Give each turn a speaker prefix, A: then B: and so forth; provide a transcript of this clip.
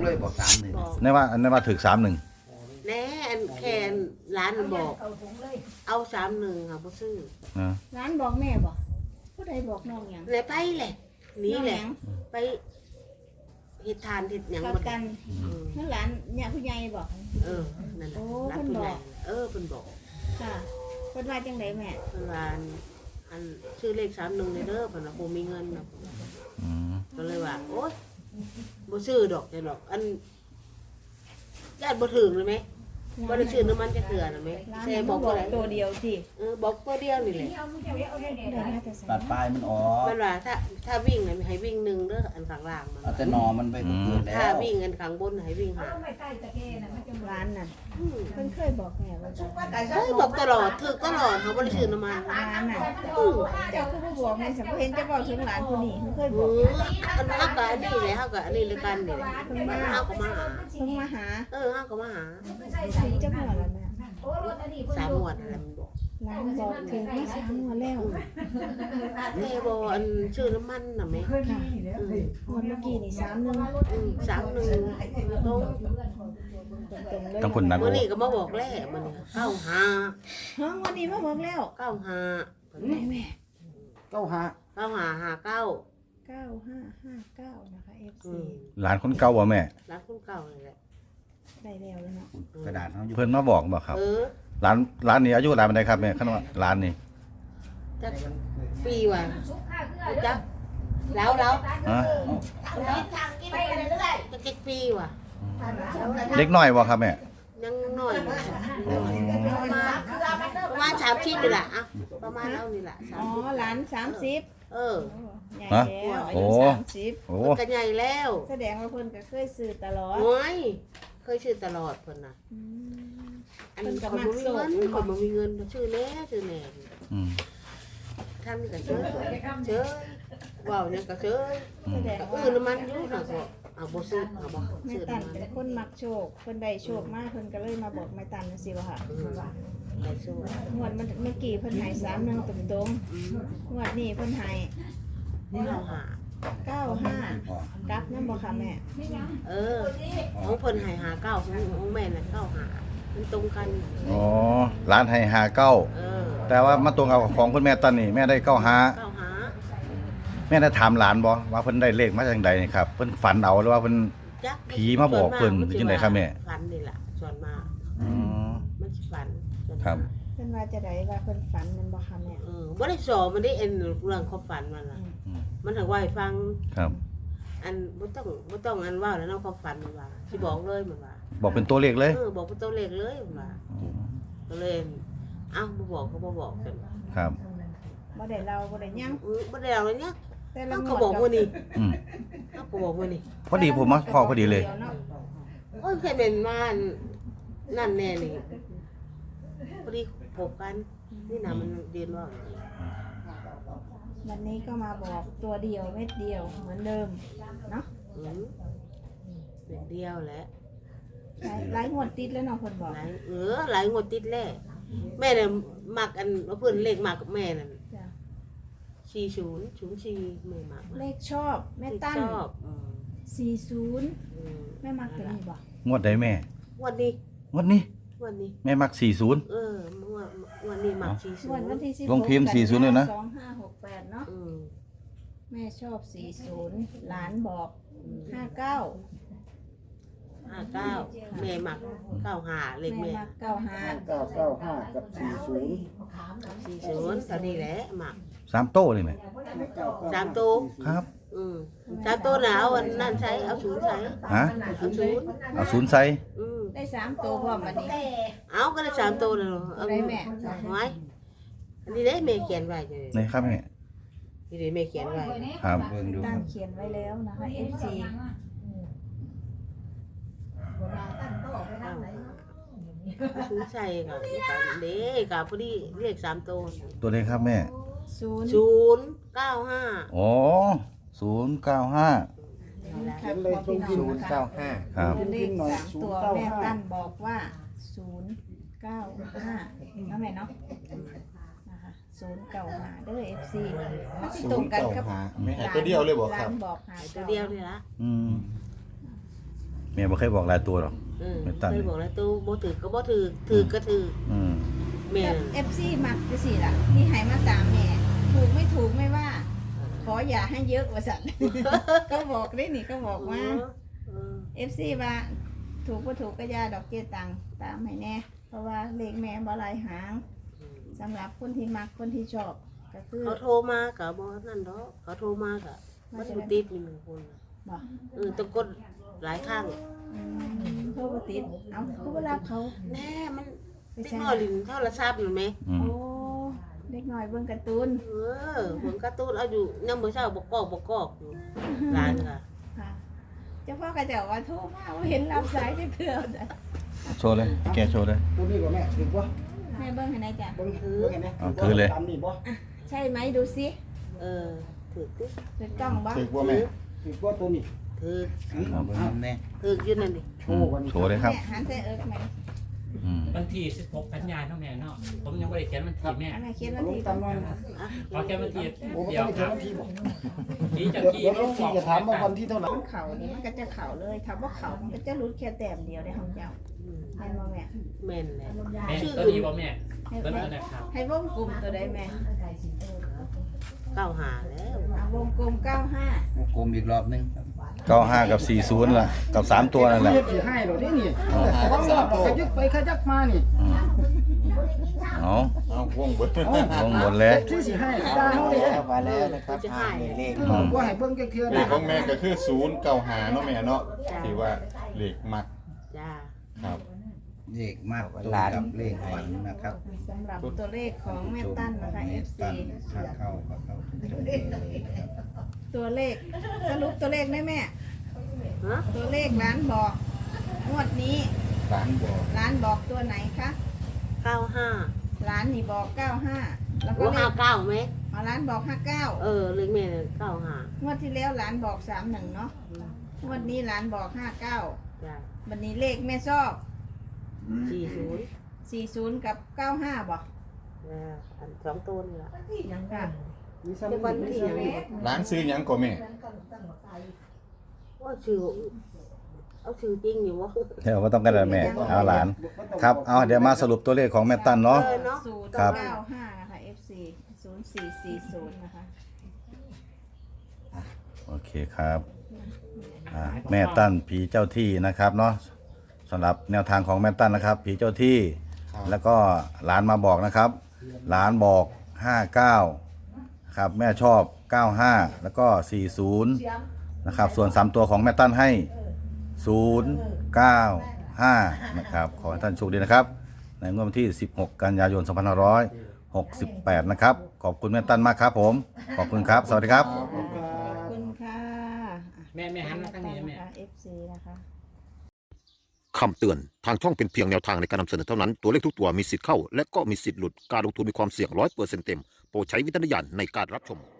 A: เลยบอก31
B: บอก
C: ในว่าถึก31
B: แน่อันแคนร้านบอกเอา31ค่ะบ่ซื้อ
C: นะ
D: ร้านบอกแม่บอกผู้ใดบอกน้องหยัง
B: เลยไปแหละหนี่แหละ
D: น้องยัง
B: ไปเฮ็ดทานเฮ็ดหยัง
D: กั
B: บ่
D: บกันนั่นร้านเนี่ยผู้ใหญ่บอก
B: นั่นแหละ
D: โอ้
B: ร้าน
D: เพิ่น
B: ผู้
D: บ
B: ให
D: อ
B: ญ่
D: ก
B: เพิ่นบอก
D: ค่ะเพิ่นว่าจังไดแม่
B: เพิ่นว่าอันชื่อเลข31เลยเด้อเพิ่นว่าบ่มีเงินนะ
C: อืม
B: ก็เลยว่าโอ๊ยบ่ซื้อดอกจังดอกอันญาติบ่ถึงเลยไหมบ่ได้ซื้อน้ำมันจะเกลือนะไหม
D: ร้าน
B: แต่
D: นี้
B: บบ อ
D: อก ก
B: ว่าอะไร
D: ตัวเดียวสิ
B: บอกตัวเดียวนี่แหละ
D: ได้มาแต่ไส
A: ตัดปลายมันออก
B: มันว่าถ้าวิ่งน่ะให้วิ่งหนึ่งเด้ออันข้างล่างมัน
A: เอาแต่หนอมันไปเกิดแล้
B: ถ้าว วิ่งอันข้างบนให้วิ่งหา
D: ร้านน่ะ
B: อืม
D: เพิ่นเคยบอกแม่ว่าจะ
B: เฮ้ยบอกตลอดถึกตลอดเขาบ่ได้ซื้อน้ำมัน
D: ร้านน่ะ
B: อือ
D: เจ้าคือบ่บอกแม่สัมเห็นจะบอกถึงร้านผู้นี้เพิ่นเคยบ
B: อื
D: อก
B: ออันเฮาก็อันนี้แหละเฮาก็อันนี้เลยกันนี่แหละมันเฮาก็มาหา
D: เพิ่นมาหา
B: เฮาก็มาหา
D: ถึงจะบอกแล้วแม่
B: 3งวดอะไรมันบอก
D: ร้านบอกถึงมา3งวดแล้ว
B: แม่บ่อันชื่อน้ำมันน่ะแม่
D: ค่ะ
B: อือ
D: งวดเมื่อกี้นี่31
B: 31ตรง
D: ตรงๆเลย
C: ทั้งคนนั้น
B: มื้อนี้ก็มาบอกแล้วมื้อนี้95
D: ฮะงวดนี้มาบอกแล้ว
B: 95
D: แม่แม่
B: 9559
D: 9559นะคะ FC
C: หลานคนเก่าบ่แม่
B: ร้านคนเก่าเลยแหละ
D: ได้แล้วเนาะ
A: กระดาษเขาอยู่
C: เพิ่นมาบอกบ่ครับร้านนี้อายุหลานปานใดครับแม่คันว่าร้านนี้
B: จักปีว่ะจักแล้ว
C: ฮะ
B: จะเจ็ดปีว่ะ
C: เด็กน้อยบ่ครับแม่
B: ยังน้อยอยู่ประมาณ30นี่แหละอ่ะประมาณเอานี่แหละ
D: อ๋อหลาน30
B: เออ
D: ใหญ่แล้วอายุ30
C: โอ้
B: มันก็ใหญ่แล้ว
D: แสดงว่าเพิ่นก็เคยซื้อตลอด
B: โอ้ยเคยชื่อตลอดเพิ่นน่ะ
D: อืม
B: อันนี้คนบ่มีเงินคนบ่มีเงินชื่อแน่
C: อืม
B: ท่านนี่ก็เชยว้าวเนี่ยก็เชย
C: อื
D: แส
C: ม
D: ดง
B: ก็
D: ว่า
B: น้ำมันอยู่น่ะก็เอาบ่ซื้อเอาบ่
D: แม่
B: ซื้อ
D: ตัน
B: น้ำมัน
D: เป็นคนมักโชคเพิ่นได้โชคมากเพิ่นก็เลยมาบอกแม่ตันจังซี่ว่าค่ะ
B: ได้ซื้อ
D: งวดมันเมื่อกี้เพิ่นให้31ตรงๆงวดนี้เพิ่นให้
B: เอาหา
D: 95กลับนำบ่ค่ะแม่
B: ของเพิ่นให้หาเก้าของแม่น่ะเก้าหามันตรงกัน
C: อ๋อร้านให้59แต่ว่ามาตรงกับของคุณแม่ตอนนี้แม่ได้95
B: เก้าหา
C: แม่ได้ถามหลานบ่ว่าเพิ่นได้เลขมาจากใดนี่ครับเพิ่นฝันเอาหรือว่าเพิ่น
B: จัก
C: ผีมาบอกเพิ่นหรือจังไดครับแม่
B: ฝันนี่ล่ะส่วนมาก
C: อ๋อ
B: มันสิฝันส่วนมาก
C: ครับ
D: เพิ่นว่าจะได้ว่าเพิ่นฝันแม่นบ่ค่ะแม่
B: บ่ได้สอนมันได้เอ็นเรื่องความฝันมันล่ะ
C: อืม
B: มันถึงว่าให้ฟัง
C: ครับ
B: อันบ่ต้องอันว่าแล้วเนาะความฝันมันว่าสิบอกเลยมันว่า
C: บอกเป็นตัวเลขเลย
B: บอกเป็นตัวเลขเลยมันว่าก็เลยเอ้าบ่บอกก็บ่บอกกัน
C: ครับ
D: บ่ได้เล่าบ่ได้หยัง
B: บ่ได้เอาเลยเนี่ย
D: แต่ละ
B: เฮาง ก็
D: วด
B: บอกมื้อนี้
C: อืม
B: เฮาก็บอกมื้อนี้
C: พอดีผมมาพอพอดีเลย
D: เนาะ
B: โอ้ยแค่เป็นมานั่นแน่นี่พอดีพบกันนี่นะมันเรียนว่า
D: วันนี้ก็มาบอกตัวเดียวเม็ดเดียวเหมือนเดิมเนาะ
B: เป็นเดียวแหละ
D: หลายงวดติดแล้วเนาะเพิ่นบอก
B: หลายงวดติดแล้วแม่เนี่ยมักอันว่าเพิ่นเลขมักกับแม่นั่น
D: จ้ะ
B: 4004แม่มัก
D: เลขชอบแม่ตั้น
B: ชอบ
D: 40แม่มักตัวนี้บ่
C: งวดใดแม่
B: วันนี้
C: งวดนี้
B: วันนี้
C: แม่มัก40
B: วันนี้มัก
D: งวดวัน
B: 40
D: ที่16
C: ลงพิมพ์40เลยนะ
D: 2568เนาะ
B: อืม
D: แม่ชอบ40หลานบอก59
B: 59แม่มัก95เลข
D: แม่
B: แม่
D: มัก95
E: 995กับ
B: 40
E: 40
B: ตอนนี้แหละมัก
C: 3โต้เลยแม่
B: 3ตัว
C: ครับ
B: 3ตัวน่ะเอาอันนั้นใช้เอา0ใช้
C: ฮะ
B: เอา0
C: เอาศูนย์ใส่
D: ได้3ตัวพร้อมบัดนี้
B: เอาก็ได้3ตัวแล้วเอา
D: ได้แม่
B: ไว้อันนี้ได้แม่เขียนไว้เลย
C: นี่ครับแม่
B: นี่ได้แม่เขียนไว้
C: ครับ
A: เบิ่งดู
D: ตั้งเขียนไว้แล้วนะคะ FC
B: ศูนย์ใส่ก็เด้ก็พอดีเลข3ตัว
C: ตัวเลขครับแม่
B: 095
C: อ๋อ095
D: 0ครับบอกพี่น้องนะคะ
A: 095
C: ครับ
D: เลข3ตัวแม่ตั้นบอกว่า095นะแม่เนาะนะคะ095เด้อ FC มันสิตรงกันกับ
E: ไม่หายตัวเดียวเลยบอกครับ
D: ร้านบอกหา
B: ตัวเดียวนี่ละ
C: อืมม่บ่เคยบอกหลายตัวหรอก
B: ๆ
C: ไม่ตั้ง
B: เคยบอกแล้วตู้บ่ถือก็บ่ถือถือก็ถือ
C: อืม
B: แม่
D: FC มักจังซี่ล่ะที่ให้มาตามแม่ถูกไม่ถูกไม่ว่า ขออย่าให้เยอะว่าซั่น ก็บอกได้นี่ก็บอกว่า
B: เออ
D: FC ว่าถูกบ่ถูกก็อย่าดอกเกี้ยตังตามให้แน่เพราะว่าเลขแม่บ่หลายหางสำหรับคนที่มักคนที่ชอบก็คือ
B: เขาโทรมาก็บ่นั่นดอกเขาโทรมาก็มันบ่ติดนี่1คน
D: บ่
B: ต้องกดหลายครั้ง
D: โทรบ่ติดเอาคือบ่รับเขา
B: แน่มันเด็กน้อยลิ้นโทรศัพท์อยู่ไหม
C: อืม
D: โอ้เด็กน้อยเบิ่งการ์ตูน
B: ผมการ์ตูนเอาอยู่ยังมื้อเช้าบ่กอกอยู่ร้านค่ะ
D: ค่ะเจ้าพ่อก็จะว่าโทรมาบ่เห็นรับสายได้เพื่อจ้ะ
C: โชว์เลยแกโชว์เลย
E: ตัวนี้บ่แม่ถือบ่
D: แม่เบิ่งให้หน่อยจ้ะ
E: เบิ่งถือเห็นไหม
C: เอาถือเลย
E: ตามนี่บ่
D: ใช่ไหมดูสิ
B: ถือติ
D: ถือกล้องบ่
F: ถือว่าแม่
E: ถือบ่ตัวนี้
B: ถือ
A: เอาไปมันแน่
B: ถืออยู่นั่นดิ
E: โชว์วันนี้
C: โชว์เลยครับ
D: แม่หันใส่เอิกไหม
C: อืม
G: วันที่16กันยายนเนาะแม่เนาะผมยังไม่ได้เขียนวันที่แม่
D: แม่เขียน
E: เอา
D: วัน
E: ลง
D: ที่
E: ตามหน่อย
G: ขอแค่วันที่
E: โอ้บ่
G: เดีย
E: ต้อ
G: ว
E: ง
G: ค
E: เขีย
G: รั
E: น
G: บ
E: วันที่บ่
G: ที่จะ
E: เดี๋ยว
G: ที่
E: เดี๋ยวน้องซีจะถามว่าวันที่เท่าไหร่
D: เข่านี่มันก็จะเข่าเลยถ้าบ่เข่ามันก็จะรุดแค่แต้มเดียวในห้องเจ้าแม่นบ่แม่
B: แม่นแหละ
G: แม่ตัวนี้บ่แม่
D: ให้
G: ตัว
D: ว
G: นี้
D: ง
G: นะครับ
D: ให้วงกลมตัวใดแม่
B: 9หาแล้ว
D: เอาวงกลม95
A: กลมอีกรอบนึง
C: 95กับ40ล่ะกับ3ตัวนั่นแหละ
E: เฮ็ดสิให้เหรอนี่นี่ต้องรอบขยักไปขยักมานี่
C: อืมเอา
F: เอาวงเบิด
C: ลงหมดเลย
E: ที่สิให้ตาเฮาเลย
A: มาแล้วนะครับเลข
E: บ่ให้เบิ่งจักเทื่อ
F: เลขของแม่ก็คือ095เนาะแม่เนาะที่ว่าเลขมัก
B: จ้า
F: ครับ
A: เลขมากตรงกับเลขฝันนะครับ
D: สำหรับตัวเลขของแม่ตั้นนะคะ FC
A: ถ้าเข้าก็เข้าทุกเลขเลยนะครับ
D: ตัวเลขสรุปตัวเลขได้แม่
B: ฮะ
D: ตัวเลขร้านบอกงวดนี้
F: ร้านบอก
D: ร้านบอกตัวไหนคะ
B: 95
D: ร้านนี่บอก95แล้วก็
B: โอ้
D: เลข
B: 59ไหม
D: เอาร้านบอก59
B: เลขแม่95
D: งวดที่แล้วร้านบอก31เนาะงวดนี้ร้านบอก59
B: จ้า
D: วันนี้เลขแม่ชอบ
B: 40
D: 40กับ95บอก
B: อัน2ตัวนี่ล่ะ
D: ยังค่ะ
E: มีซ้ำ
B: เดี๋ยววันที่หยังนี่
F: ร้านซื้อหยังก็แม่
B: ว่าชื่อเอาชื่อจริงอยู่วะ
C: เดี๋ยวก็ต้องกันแม่เอาหลาน ครับเอาเดี๋ยวมาสรุปตัวเลขของแม่ตั้นเนาะ
B: เนาะ
C: ครับ
D: 095นะคะ FC 0440นะคะ
C: โอเคครับแม่ตั้นผีเจ้าที่นะครับเนาะสำหรับแนวทางของแม่ตั้นนะครับ ผีเจ้าที่ แล้วก็หลานมาบอกนะครับหลานบอก59ครับแม่ชอบ95แล้วก็40นะครับส่วน3ตัวของแม่ตั้นให้095นะครับขอให้ท่านโชคดีนะครับในงวดวันที่16กันยายน2568นะครับขอบคุณแม่ตั้นมากครับผมขอบคุณครับสวัสดีครับ
D: ขอบคุณค่ะ
G: แม่หันมาทางนี้นะแม่
D: FC นะคะ
H: คำเตือน ทางช่องเป็นเพียงแนวทางในการนำเสนอเท่านั้น ตัวเลขทุกตัวมีสิทธิ์เข้า และก็มีสิทธิ์หลุด การลงทุนมีความเสี่ยง100%เต็ม โปรดใช้วิจารณญาณในการรับชม